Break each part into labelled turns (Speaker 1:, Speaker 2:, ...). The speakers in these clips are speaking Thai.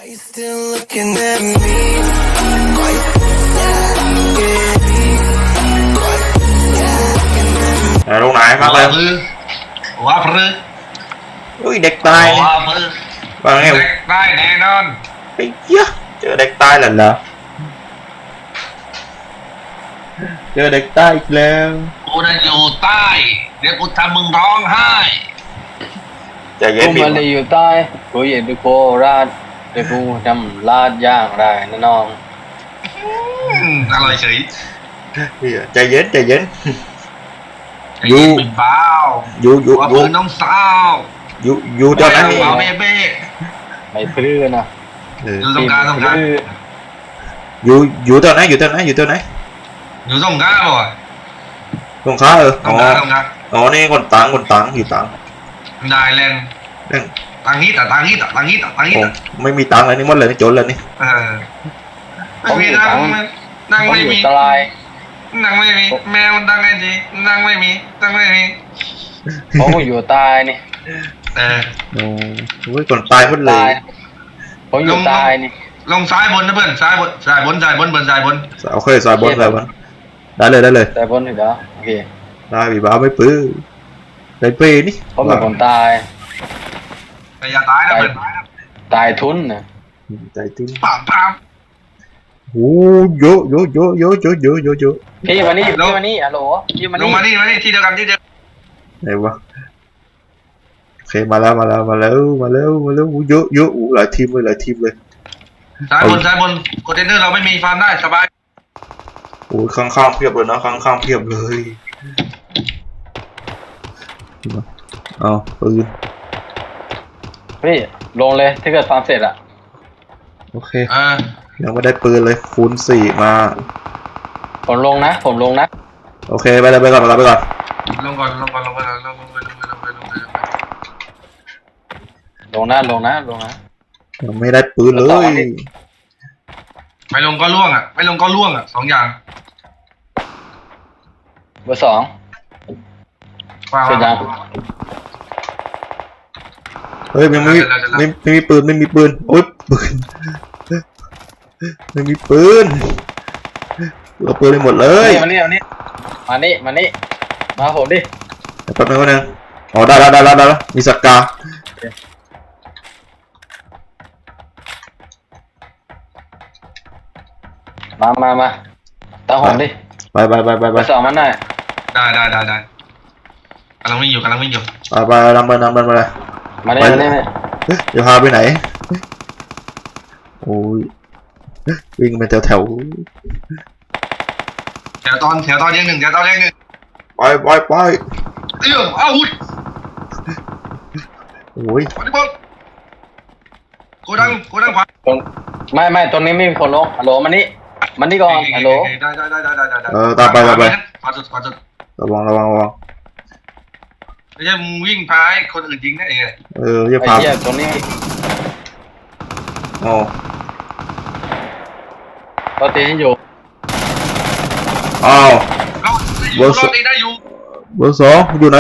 Speaker 1: Are you still looking at me? Are you
Speaker 2: ở lúc này phát lên
Speaker 3: quá phứ
Speaker 2: ui đẹp tay
Speaker 3: quá phứ
Speaker 2: và nghe
Speaker 3: đẹp tay nè non
Speaker 2: ấy da chơi đẹp tay là chơi đẹp tay lên
Speaker 3: กูน่ะอยู่ใต้เดี๋ยวกูทำมึงร้องไห้
Speaker 2: ใจเย็น
Speaker 4: กู
Speaker 2: พี่
Speaker 4: มาเลยอยู่ใต้กูอยู่ที่โคราชเดี๋ยวกูทำลาดย่างได้นะน้อง
Speaker 3: อร่อยเฉย
Speaker 2: ใจเย็น
Speaker 3: ไอ้เย็นเป็นบ้า
Speaker 2: อยู่
Speaker 3: ว่าปืนน้องสาว
Speaker 2: อยู่ตอนนั้น
Speaker 3: เอาเบ้เบ้
Speaker 4: ไม่พลื้อนะ
Speaker 3: อยู่ตรงกลาง
Speaker 2: อยู่ตอนไหนอยู่ตอนไหน
Speaker 3: อยู่ตรงกลางบ่
Speaker 2: ตรงข้า
Speaker 3: ตรงกลาง
Speaker 2: อ๋อนี่คนตังอยู่ตัง
Speaker 3: ได้แลนตังฮิต
Speaker 2: ไม่มีตังเลยนี่หมดเลยนี่จนเลยนี่
Speaker 3: ไม่มีนั่งไม่มี
Speaker 4: ตราย
Speaker 3: นั่งไม่มีแมวนั่งไงจีนั่งไม่มี
Speaker 4: ผมอยู่ใต้นี่
Speaker 2: โอ้ยคนตายหมดเล
Speaker 4: ตาย ยผมอยู่ใต้นี่
Speaker 3: ลงซ้ายบนนะเพื่อนซ้ายบน
Speaker 2: โอเคสายบนได้เลย
Speaker 4: แต่บนถึงแล้วโอเค
Speaker 2: ได้บีบ้าไม่ปื้อได้เป้นี่
Speaker 4: ผมเป็นคนตาย
Speaker 3: แต่อย่าตายนะเพื่อน
Speaker 4: ตายทุนนะ
Speaker 2: ใจตึ้ง
Speaker 3: ปาม
Speaker 2: โอ้เยอะ
Speaker 4: พี่มานี่ฮัลโหลพี่มา
Speaker 3: ลง
Speaker 4: นี่
Speaker 3: มานี่ที่เดียวกัน
Speaker 2: ไหนวะโอเคมาแล้วเยอะหลายทีมเลย
Speaker 3: ซ้ายบนคอนเทนเนอร์เราไม่มีฟาร์มได้สบาย
Speaker 2: โอ้ยข้างเพียบเลยนะข้างเพียบเลยเอาปืน
Speaker 4: พี่ลงเลยถ้าเกิดฟาร์มเสร็จอะ
Speaker 2: โอเคยังไม่ได้ปืนเลยคูณ4มา
Speaker 4: ผมลงนะ
Speaker 2: โอเคไปก่อน
Speaker 3: ลงก่อน
Speaker 4: ลงนะ
Speaker 2: ยังไม่ได้ปืนเลย
Speaker 3: ไม่ลงก็ล่วงอ่ะ2 อย่าง
Speaker 4: เบอร์ 2เสร็จยัง
Speaker 2: เฮ้ยยังไม่มีปืนโอ๊ยปืนไม่มีปืนเราปืนไปหมดเลย
Speaker 4: มานี่มาผมดิ
Speaker 2: แป๊บนึงอ๋อได้แล้วมีสกา
Speaker 4: มาตามผมดิ
Speaker 2: ไป
Speaker 4: เบอร์ 2มันหน่อย
Speaker 3: ได้กำลังวิ่งอยู่
Speaker 2: ไปนำไปเลย
Speaker 4: มานี่
Speaker 2: เดี๋ยวพาไปไหนโอ้ยวิ่งไปแถว
Speaker 3: แถวตอนเรียงหนึ่ง
Speaker 2: ไป
Speaker 3: อ้าวอุ้ย
Speaker 2: โอ้ย
Speaker 3: วันนี้บอลโกดังขวา
Speaker 4: ไม่ตรงนี้ไม่มีคนลงฮัลโหลมานี่ก่อนฮัลโหล
Speaker 3: ได้
Speaker 2: ตามไป
Speaker 3: ขวาสุด
Speaker 2: ระวัง
Speaker 3: ไม่ใช่มึงวิ่งพาให้คนอื่นยิงได้ไง
Speaker 2: อย่า
Speaker 4: ไอ้
Speaker 2: พา
Speaker 4: เหี้ยตรงนี้
Speaker 2: อ๋อ
Speaker 4: เราตีให้อยู่
Speaker 2: อ้าว
Speaker 3: รอบนี้ได้อยู่
Speaker 2: เบอร์ 2อยู่ไหน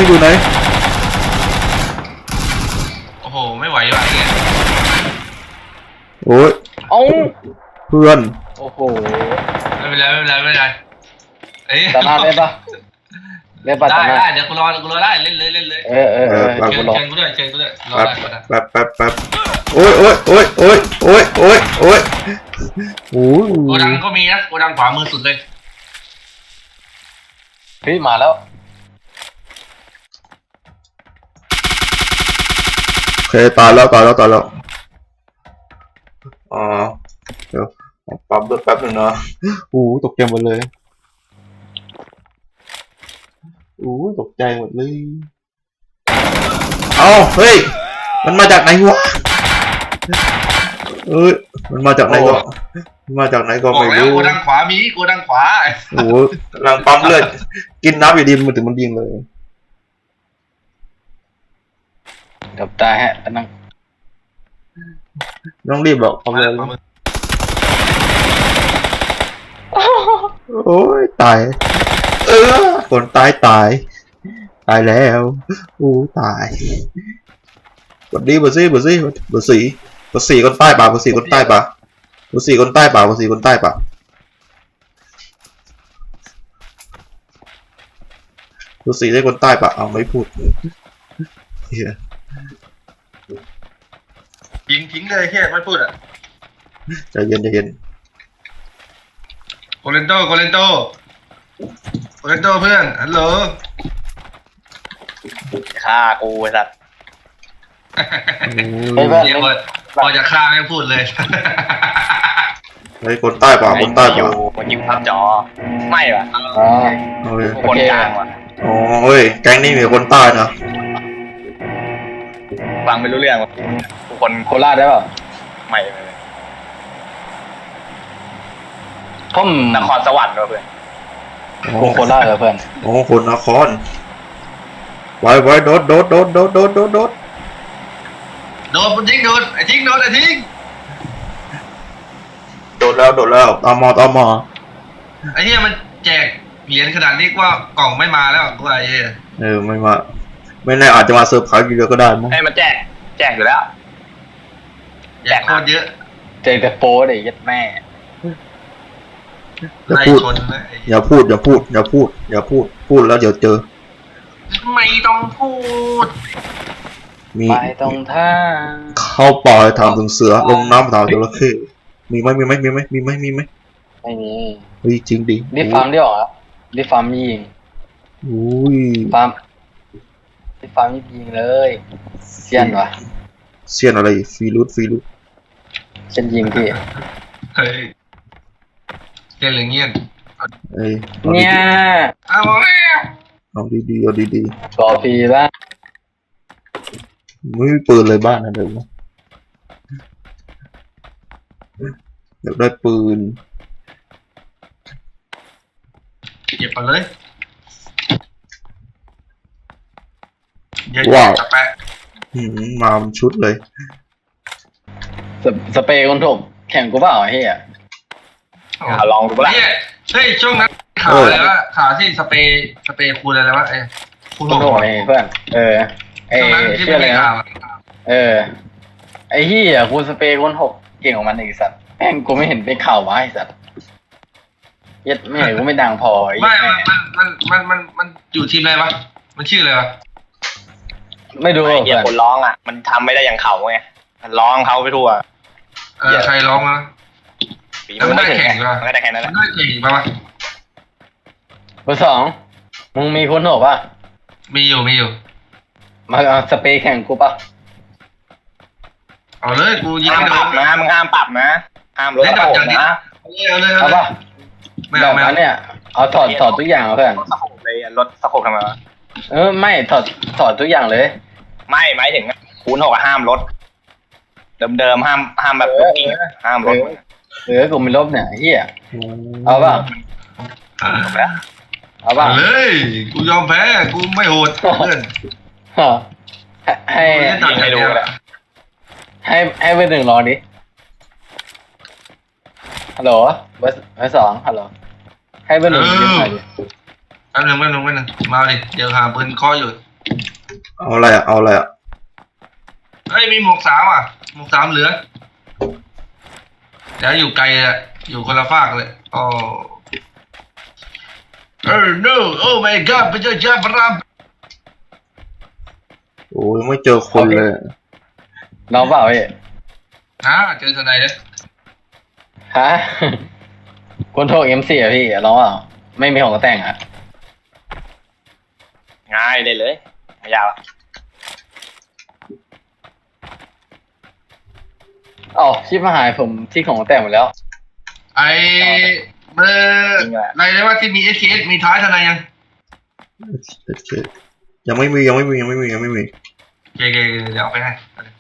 Speaker 3: โอ้โหไม่ไหวว่ะเนี่ย
Speaker 2: โอ้ย
Speaker 4: เอ้า
Speaker 2: เพื่อน
Speaker 4: โอ้โห
Speaker 3: ไม่เป็นไรเอ้ย
Speaker 4: ตาหน้าได้ปะตาหน้า
Speaker 3: ได้เดี๋ยวกูรอได้เล่นเลย
Speaker 4: เชิญกูด้วยรอได้
Speaker 2: แป๊บโอ้ยโอ้ยโอ้ย
Speaker 3: โกดังก็มีนะโกดังขวามือสุดเลย
Speaker 4: พี่มาแล้ว
Speaker 2: โอเคตายแล้วอ๋อเดี๋ยวปั๊บแป๊บนึงนะตกใจหมดเลยตกใจหมดเลยเอาเฮ้ยมันมาจากไหนวะมันมาจากไหนก็ไม่รู้
Speaker 3: โกดังขวามีโกดังขวา
Speaker 2: กำลังปั๊มเลือดกินน้ำอยู่ดีมันถึงมันยิงเลย
Speaker 4: กับตาฮะนั่ง
Speaker 2: ต้องรีบหรอกปั๊มเลยโอ้ยตายคนตายแล้วตายกดดีเบอร์สี่กดสี่คนใต้ป่ะกดสี่คนใต้ป่ะกดสี่คนใต้ป่ะกดสี่คนใต้ป่ะกดสี่ได้คนใต้ป่ะเอาไม่พูดเฮีย
Speaker 3: ทิ้งเลยแค่ไม่พูดอ่ะ
Speaker 2: ใจเย็นใจเย็น
Speaker 3: โกเลนโตเพื่อนฮัลโหล
Speaker 5: ฆ่ากูไอ้สัตว์
Speaker 4: เฮ้ยเพื่อน
Speaker 3: เดี๋ยวพอจะฆ่าไม่พูดเลย
Speaker 2: เฮ้ยคนใต้ป่ะคนใต้
Speaker 5: อยู่
Speaker 2: ป่ะ
Speaker 5: มันยิงภาพจอไม่ว่ะ
Speaker 4: อ๋อ
Speaker 2: เอาเลย
Speaker 5: กูคนกลางว่ะ
Speaker 2: อ๋อเฮ้ยแก๊งนี้มีคนใต้นะ
Speaker 5: ฟังไม่รู้เรื่องว่ะกูคน
Speaker 4: โคราชได้เปล่า
Speaker 5: ไม่
Speaker 4: ผม
Speaker 5: นครสวรรค์ว่ะเพื่อน
Speaker 2: อ๋อ
Speaker 4: โคราชเหรอเพื่อน
Speaker 2: อ๋อคนนครไว้โดด
Speaker 3: โดนมันทิ้งโดนไอ้ทิ้ง
Speaker 2: โดดแล้วตามมอ
Speaker 3: ไอ้เหี้ยมันแจกเหรียญขนาดนี้ว่ากล่องไม่มาแล้วกูไอ้เหี้ย
Speaker 2: ไม่มาไม่แน่อาจจะมาเซอร์ไพรส์อยู่เดียวก็ได้มั้ง
Speaker 5: ให้มันแจกอยู่แล้ว
Speaker 3: แจกโคตรเยอะ
Speaker 4: เจอแต่โป้เลยยัดแม่
Speaker 2: อย่า
Speaker 3: ไล่
Speaker 2: พูด
Speaker 3: ชนนะไอ้
Speaker 2: อย่าพูดพูดแล้วเดี๋ยวเจอ
Speaker 3: ไม่ต้องพูด
Speaker 2: มี
Speaker 4: ไปตรงท่า
Speaker 2: เข้าป่าถามถึงเสือลงน้ำถามจระเข้มีไหม
Speaker 4: ไม่มี
Speaker 2: เฮ้ยจริงดิ
Speaker 4: รีฟาร์มได้หรอรีฟาร์มยิง
Speaker 2: อุ้ย
Speaker 4: ฟาร์มรีฟาร์มยิงเลยเซียนวะ
Speaker 2: เสียนอะไรฟรีรูท
Speaker 4: เซียนยิงพี่
Speaker 3: เฮ้ยเกลียดหรือเงียบ
Speaker 2: เอ้ย
Speaker 4: เนี่ย
Speaker 3: เอาแล้ว
Speaker 2: เอาดีๆเอาดี
Speaker 4: กอฟีละ
Speaker 2: ๆไม่มีปืนเลยบ้านนะเดี๋ยวนะอยากได้ปืน
Speaker 3: เก็บไปเลยเยอะ
Speaker 2: ว้าว
Speaker 3: ๆจะแปะ
Speaker 2: มาเป็นชุดเลย
Speaker 4: สเปรย์คนถกแข่งกูเปล่าไอ้เหี้ย
Speaker 5: ลองดูปะล่ะ
Speaker 3: เนี่ยเฮ้ยช่วงนั้นข่าวอะไรวะข่าวที่สเปรย์คูณอะไรวะคูณ
Speaker 4: คนถกไอ้เพื่อนไอ้
Speaker 3: ช่วงนั้นที่
Speaker 4: ชื่อ
Speaker 3: ไม่
Speaker 4: อะไร
Speaker 3: มี
Speaker 4: นะ
Speaker 3: ข่าวอะ
Speaker 4: ไอ้เหี้ยกูสเปรย์คนถกเก่งของมันไอ้สัตว์แม่งกูไม่เห็นเป็นข่าววะไอ้สัตว์ยัดแม่กูไม่ดังพอไอ้
Speaker 3: ไม่
Speaker 4: แม่
Speaker 3: มันอยู่ทีมอะไรวะมันชื่ออะไรวะ
Speaker 4: ไม่ดู
Speaker 5: ไอ้เหี้ย
Speaker 4: เพื่อน
Speaker 5: คนร้องอ่ะมันทำไม่ได้อย่างเขาไงมันร้องเขาไปทั่ว
Speaker 3: ใครร้องมา
Speaker 5: ฝีมือไม่ถึง
Speaker 3: แล้วมันได้แข่งเหรอ
Speaker 5: มันก็ได้แค่นั้นแห
Speaker 3: มั
Speaker 5: ละ
Speaker 3: นได้เก่งปะวะ
Speaker 4: เบอร์สองมึงมีคนถกป่ะ
Speaker 3: มีอยู่
Speaker 4: มาเอาสเปรย์แข่งกูป่ะ
Speaker 3: เอาเลยกูยิง
Speaker 5: ห้าม
Speaker 3: ไม่โด
Speaker 5: ปรับ
Speaker 3: น
Speaker 5: นะมึงห้ามปรับนะห้ามลดระบบนะ
Speaker 3: เอาเลย
Speaker 4: เอาป่ะ
Speaker 3: ไม่
Speaker 4: แบ
Speaker 3: เอา
Speaker 4: บ
Speaker 3: ไม่เอา
Speaker 4: นั้นเนี่ยเอาถอดทุกอย่างเอาเพื่อน
Speaker 5: ลดสะโพกเลยลดสะโพกทำไมวะ
Speaker 4: ไม่ถอดทุกอย่างเลย
Speaker 5: ไม่หมายถึงคูณหกอะห้ามลดเดิมๆห้ามแบบลูกกิ้งอะห้ามลด
Speaker 4: กูไม่ลบเนี่ยเฮียเอาป่ะ
Speaker 5: จบแล้ว
Speaker 4: เอาป่ะ
Speaker 3: เอาเลยกูยอมแพ้กูไม่โหดเพื่อน
Speaker 4: ให้
Speaker 5: ยิงให้ดูก็ได้
Speaker 4: ให้เบอร์หนึ่งรอดิฮัลโหลเบอร์สองฮัลโหลให้เบอร์หนึ่งยืนหน่อยดิ
Speaker 3: แป๊บนึงมาดิเดี๋ยวหาปืนเคออยู่
Speaker 2: เอาอะไรอ่ะ
Speaker 3: เฮ้ยมีหมวกสามอ่ะหมวกสามเหลือเดี๋ยวอยู่ไกลอ่ะอยู่คนละฝากเลยโอ้no oh my god พระเจ้าจ้าพระราม
Speaker 2: โอ้ยังไม่เจอคนเลย
Speaker 4: น้องเปล่าพี่
Speaker 3: เจอทนายแล้ว
Speaker 4: ฮะคนโทร M4 อ่ะพี่น้องเปล่าไม่มีของแต่งอ่ะ
Speaker 5: ง่ายเลยไม่ยาก
Speaker 4: อ๋อชิปมาหายผมที่ของแต่งหมดแล้ว
Speaker 3: ไอเบอร์อะไรนะว่าที่มี SKS มีท้ายทนายยัง
Speaker 2: ยังไม่มี
Speaker 3: โอเคเดี๋ยวเอาไปให้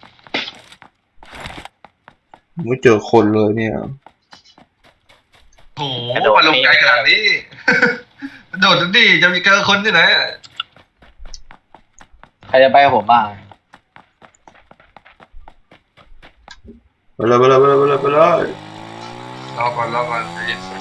Speaker 2: ไม่เจอคนเลยเนี่ย
Speaker 3: โอ้โหมาลงไกลขนาดนี้ โดดดิจะมีเจอคนที่ไหน
Speaker 4: ใครจะไปกับผมบ้าง
Speaker 2: ไปเลย
Speaker 3: รอก่อนใจเย็น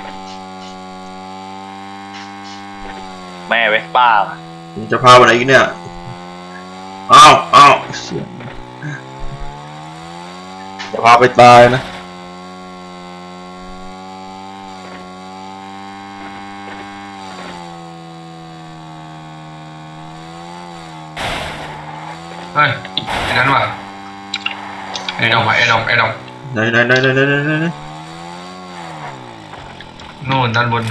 Speaker 5: แม่เวสป้า
Speaker 2: ผมจะพาไปไหนอีกเนี่ยอ้าวเสียงอย่าพาไปตายนะ
Speaker 3: เฮ้ยไอ้นั้นว่ะไอ้ดอกว่ะไอ้ดอกไอ้ดอก
Speaker 2: ไหน
Speaker 3: นู่นด้านบน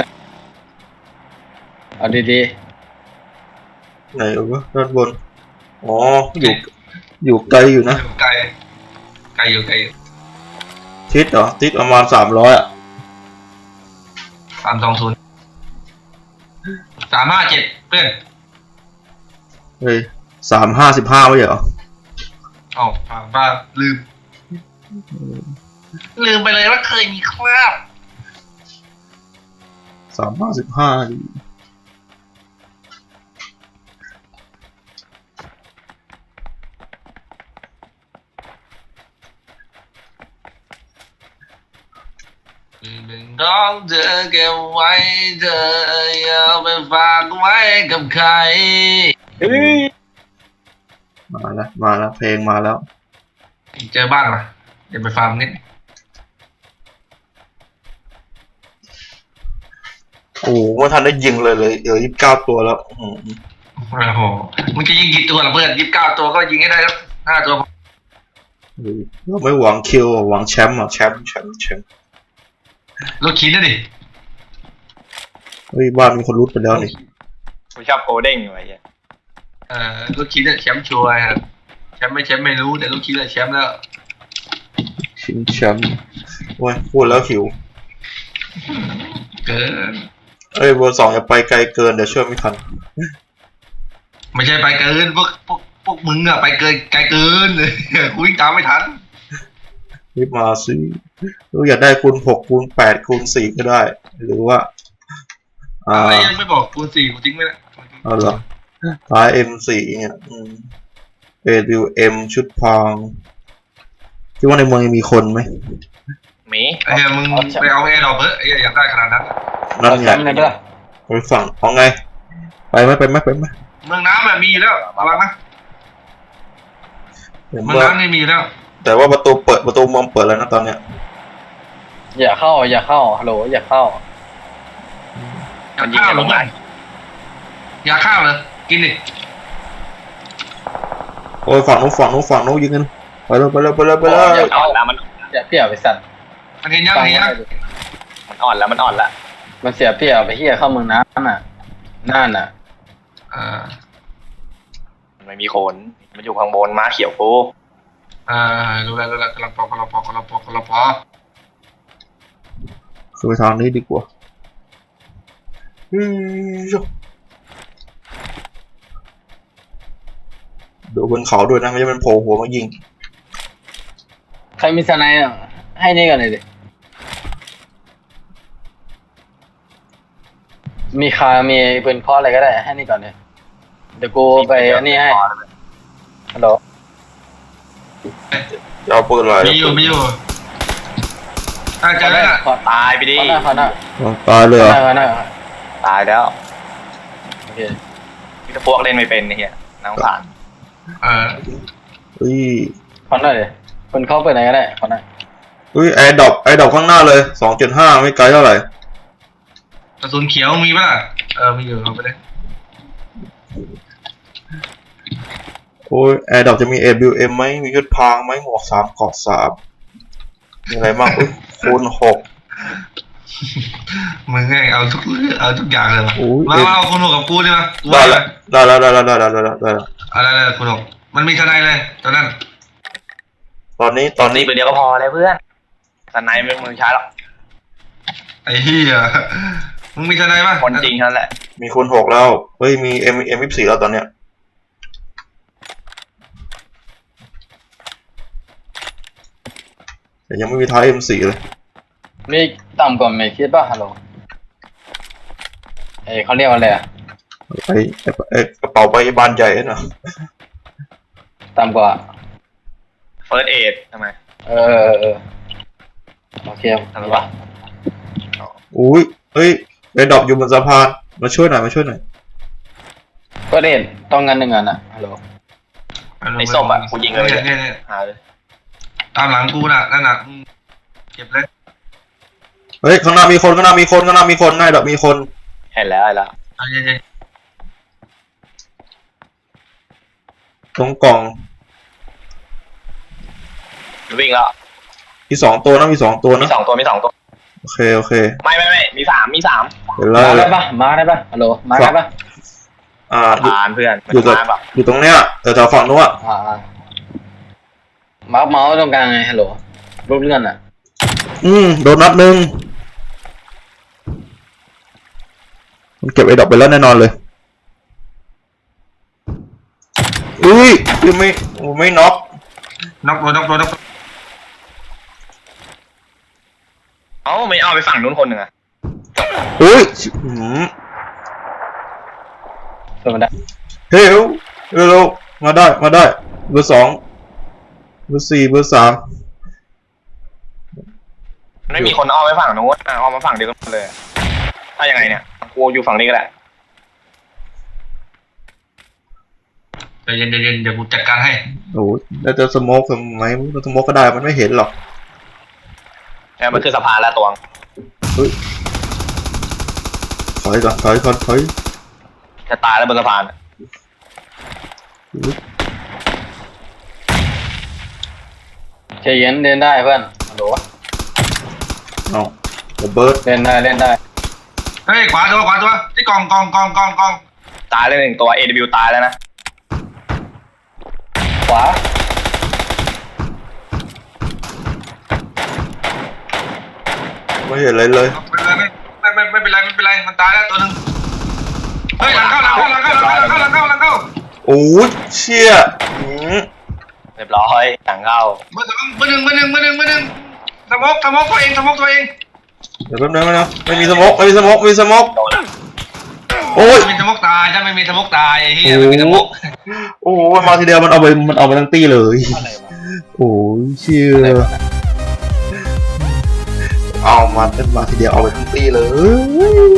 Speaker 4: เอาดี
Speaker 2: ไหนวะด้านบนอ๋ออยู่ไกลอยู่นะ
Speaker 3: อยู่ไกลไกลอยู่ไกลอยู่
Speaker 2: ทิศเหรอทิศประมาณ300อ่ะ
Speaker 3: 320 357เพื่อน
Speaker 2: เฮ้ย355ไม่ใช่เหรอ
Speaker 3: เอ้าบ้าลืมไปเลยว่าเคยมีคราบ
Speaker 2: 355ดี
Speaker 3: เป็นของเธอเก็บไว้เธออย่าไปฝากไว้กับใคร
Speaker 5: เฮ้ย
Speaker 2: มาแล้วเพลงมาแล้ว
Speaker 3: เจอบ้านมาเดี๋ยวไปฟาร์มนิด
Speaker 2: โอ้โหไม่ทันได้ยิงเลยเดี๋ยว29ตัวแล้วอื้อหือ
Speaker 3: โอ้โหมึงจะยิงกี่ตัวล่ะเพื่อน29ตัวก็ยิงให้ได้แล้ว5ตัว
Speaker 2: เฮ้ยเราไม่หวังคิวหวังแชมป์อ่ะแชมป์
Speaker 3: ลูกชิ้นนะดิ
Speaker 2: เฮ้ยบ้านมีคนรุดไปแล้วนี่
Speaker 5: กูชอบโกลเด้งอยู่ไอ้เหี้ย
Speaker 3: ลูกชิ้นเนี่ยแชมป์ชัวร์ครับแชมป์ไม่รู้แต่ลูกชิ้นเนี่ยแชมป์แล้ว
Speaker 2: ชิงแชมป์โอ้ยพูดแล้วหิว
Speaker 3: เกิน
Speaker 2: เอ้ยเบอร์2อย่าไปไกลเกินเดี๋ยวช่วยไม่ทัน
Speaker 3: ไม่ใช่ไปเกินพวกมึงอะไปเกินไกลเกินเลยกูวิ่งตามไม่ทัน
Speaker 2: รีบมาสิรู้อยากได้คูณ6คูณ8คูณ4ก็ได้ หรือว่า
Speaker 3: อะไรยังไม่บอกคูณ4กูทิ้งไว้แล้ว
Speaker 2: เอาเหรอท้าย M4 เนี่ยAWM ชุดพรางคิดว่าในเมืองยังมีคนไหม
Speaker 5: หมี
Speaker 3: ไอ้เหี้ยมึงไปเอาแอร์ดรอปเถอะไอ้เหี้ยอยากได้ขนาดนั้น
Speaker 4: ๆ
Speaker 2: นั่น
Speaker 4: เอา
Speaker 2: ไง
Speaker 4: แชมป์กันด้วย
Speaker 2: ไปฝั่งเอาไงไปไหม
Speaker 3: เมืองน้ำแบบมีอยู่แล้วระวังนะ
Speaker 2: เห็น
Speaker 3: เมือง
Speaker 2: ว่า
Speaker 3: น้ำไม่มีแล้ว
Speaker 2: แต่ว่าประตูเมืองเปิดแล้วนะตอนเนี้ย
Speaker 4: อย่าเข้าฮัลโหลอย่าเข้า
Speaker 3: อยากข้าวเหรอเพื่อนอยากข้าวเหรอกินดิ
Speaker 2: โอ้ยฝั่งนู้นยิงกันไปเลย
Speaker 4: อย่า
Speaker 5: อ่อนแล้วมัน
Speaker 4: อย่าเปรียบไปสัตว์
Speaker 3: มันเห็นยัง
Speaker 4: ฟัง
Speaker 3: เห็นยัง
Speaker 4: ไว้ดิ
Speaker 5: มันอ่อนแล้ว
Speaker 4: มันเสียเปรียบไปเฮียเข้าเมืองน้ำน่ะนั่นน่ะ
Speaker 5: มันไม่มีโคนมันอยู่ข้างบนม้าเขียวกู
Speaker 3: รู้แล้วกำลังปอก
Speaker 2: คือไปทางนี้ดีกว่าดูบนเขาด้วยนะไม่ใช่มันโผล่หัวมายิง
Speaker 4: ใครมีสไนด์อ่ะให้นี่กันเลยดิมีคามีปืนเคาะอะไรก็ได้ให้นี่ก่อนเลยเดี๋ยวกูไปอันนี้ให้ฮัลโหล
Speaker 2: จะเอาปืนอะไร
Speaker 3: มีอยู่ถ้าเจอแล้ว
Speaker 4: ขอ
Speaker 5: ตายไปดิ
Speaker 4: ขอหน้า
Speaker 2: ตายเลยเหรอ
Speaker 5: ตายแล้ว
Speaker 4: โอเค
Speaker 5: ที่พวกเล่นไม่เป็นไอ้เหี้ยน่าสงสาร
Speaker 2: เฮ้ย
Speaker 4: ขอหน้าเลยปืนเคาะไปไหนก็ได้ขอหน้า
Speaker 2: เฮ้ยไอ้ดอกข้างหน้าเลย 2.5 ไม่ไกลเท่าไหร่
Speaker 3: กระสุนเขียวมีป่ะมีอยู่เอาไปเลย
Speaker 2: โอ้ยไอ้ดอกจะมี AWM ไหมมีชุดพรางไหมหมวก3เกราะ3มีอะไรบ้างคูณ6
Speaker 3: มึงไงเอาทุกอย่างเลย
Speaker 2: โอ้ย
Speaker 3: มาเอาคุณหกกับกูใช่ไหม
Speaker 2: ได้แล้ว
Speaker 3: อะไรคุณหกมันมีทนายเลยตอนนั้น
Speaker 2: ตอนนี้
Speaker 5: นี่ปืนเดียวก็พอแล้วเพื่อนสไนไม่มึงใช้หรอก
Speaker 3: ไอ้เหี้ยมึงมีทนายป่ะ
Speaker 5: คนจริงเท่านั้นแหละ
Speaker 2: มีคูณ6แล้วเฮ้ยมี M24 แล้วตอนเนี้ยแต่ยังไม่มีท้าย M4 เลย
Speaker 4: มีต่ำกว่าเมคิดป่ะฮัลโหลเขาเรียกว่าอะไรอ่ะ
Speaker 2: ไอ้กระเป๋าใบบานใหญ่น่ะ
Speaker 4: ต่ำกว่า
Speaker 5: เฟิร์สเอดทำไม
Speaker 4: เออโอเค
Speaker 5: ทำไม
Speaker 4: มี
Speaker 5: วะ
Speaker 4: ปะ
Speaker 2: อุ้ยเฮ้ยไอ้ดอกอยู่บนสะพานมาช่วยหน่อย
Speaker 4: ก็เด่นต้องงั้นหนึ่งอันอ่ะฮัลโหล
Speaker 5: ไอ้ส้มอ่ะกูยิงเลย
Speaker 3: เนี่ย
Speaker 5: หาเลย
Speaker 3: ตามหลังกูน่ะนั่นน่ะเก็บเลย
Speaker 2: เฮ้ยข้างหน้ามีคนข้างหน้ามีคนข้างหน้ามีคนนายดอกมีคน
Speaker 5: เห็นแล้วเห็นแล้ว
Speaker 3: ใจเย็น
Speaker 2: ตรงกล่อง
Speaker 5: วิ่งแล้ว
Speaker 2: มีสองตัวนะมีสองตัว
Speaker 5: มี
Speaker 2: นะ
Speaker 5: สองตัวมีสองตัว
Speaker 2: โอเคโอเค
Speaker 5: ไม่มีสาม
Speaker 2: เห็นแล้ว
Speaker 4: มาได้ปะมาได้ปะฮัลโหลมาได้ปะ
Speaker 2: อยู่
Speaker 5: ผ่านเพื่อน
Speaker 2: อยู่กับ
Speaker 5: มาแบบ
Speaker 2: อยู่ตรงเนี้ยแต่แถวฝั่งนู้นอะ
Speaker 4: มาเมาส์ตรงกลางไงฮัลโหลรูปเลื่อนอ่ะ
Speaker 2: โดนนัดหนึ่งมันเก็บไอ้ดอกไปแล้วแน่นอนเลยอุ้ยยังไม่น็อก
Speaker 3: ๆน็อกตัว
Speaker 5: เอ้าไม่เอาไปฝั่งนู้นคนหนึ่งอะ
Speaker 2: อุ้ย
Speaker 4: ส่วนมันได้
Speaker 2: เฮ้ยเร็วๆมาได้เบอร์สองเบอร์สี่เบอร์สาม
Speaker 5: ไม่มีคนเอาไปฝั่งนู้นเอามาฝั่งเดียวกันเลยถ้ายังไงเนี่ยกูอยู่ฝั่งนี้ก็ได้
Speaker 3: ใจเย็นเดี๋ยวกูจัดการให้
Speaker 2: โอ้ยแล้วจะสโมกทำไมสโมกก็ได้มันไม่เห็นหรอก
Speaker 5: เนี่ยมันคือสะพานแล้วตวง
Speaker 2: ถอยก่อนถอย
Speaker 5: จะตายแล้วบนสะพาน
Speaker 4: ใจเย็นเล่นได้เพื่อนฮัลโหล
Speaker 2: เอาระเบิด
Speaker 4: เล่นได้
Speaker 3: เฮ้ยขวาตัวที่กอง
Speaker 5: ตายเลยหนึ่งตัว AW ตายแล้วนะ
Speaker 4: ขวา
Speaker 2: ไม่เห็นอะไรเลย
Speaker 3: ไม่เป็นไรมันตายแล้วตัวหนึ่งเฮ้ยหลังเข้า
Speaker 2: โอ้ยเชี่ย
Speaker 5: เรียบร้อยหลังเข้า
Speaker 3: เบอร์หนึ่งสมกตัวเอง
Speaker 2: เดี๋ยวแป๊บนึงนะไม่มีสโมกมีสโมก
Speaker 5: โดน
Speaker 2: โอ้ย
Speaker 3: ไม่มีสมกตายถ้าไม่มีสมกตายไอ้เหี้ยไม่มีสมก
Speaker 2: โอ้ยมาทีเดียวมันเอาไปทั้งตี้เลย
Speaker 4: อะไรวะ
Speaker 2: โอ้ยเชี่ยเอามาทีเดียวเอาไปทั้งตี้เลย